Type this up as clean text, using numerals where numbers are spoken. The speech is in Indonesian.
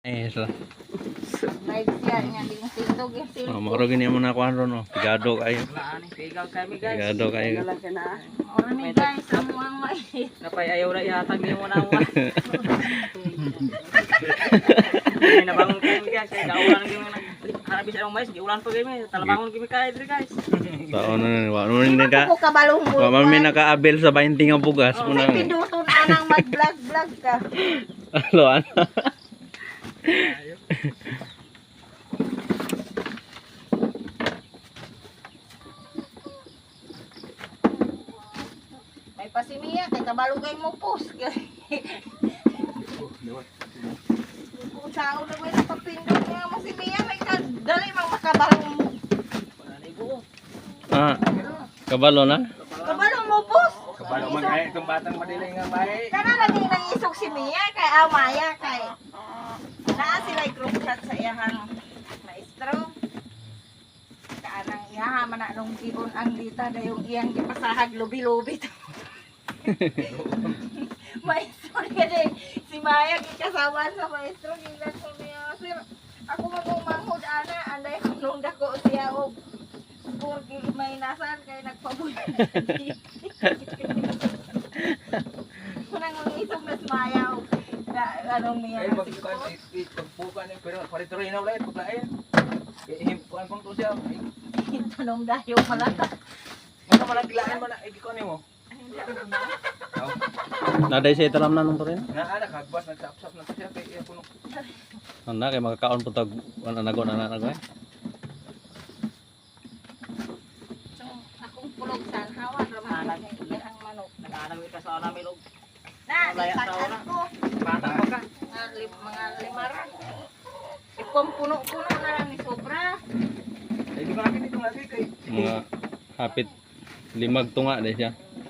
Lah. Baik siya nga di tindog yung silpo. Oh, maro gini mo na kuan ron oh. Pigado kayo. Pigaw kami guys. Pigado kayo. Ora ni guys, amuang may. Napay ayaw na ihatag niyo mo na ako. Ay nabangon kami guys. Kaya kaulan kami harapin sa mais, giulan pa kami. Talabangon kami kay diri guys. Sao na ni wa mo ni ka. Ako kabalong mo. Wa man mi naka-abel sa 20 nga bugas mo na. Pinduton anang mag-vlog ka. Alo ana. May pasimiya kay kabalugay mo post. Kung sao na may napapindot nga masimiya may dali mang makabalong mo. Ah. Kabalo na? Kabalong mo post. Kabalo man kay itong batang madiling nga may. Kana lagi nang isog si Mia kay Amaya kay. Naa sila group chat sa iyang maestro. Kanang iyaha man na nung gigon ang dita dayong iyang gipasahag lubi-lubi to. Maestro kaya si Maya gikasawan sa maestro gilan ko niya sir. Ako magumangod ana anday nung dako siya og Porque may nasan kay nagpabulan. Kunang isog na sumayaw. Anong niya? Ay pagbukan ni pero paritoy na ulit paglain. Himpuan pang to siya. Tanong dayo pala. Ano man gilaan man ay gikon nimo. Naday sa italam na nung to rin. Naa kagbas nagsapsap na siya kay iya puno. Anda kay makakaon putag anagon ana nagoy. So, akong pulog sa hawan ramahan kay ang manok. Naganaw ka sa namin og Na, ipakan ko. bata pa ka. Mga limaran. Ipom puno-puno na lang ni sobra. Ay di ba natin dito lagi kay Mga hapit limag tunga day siya.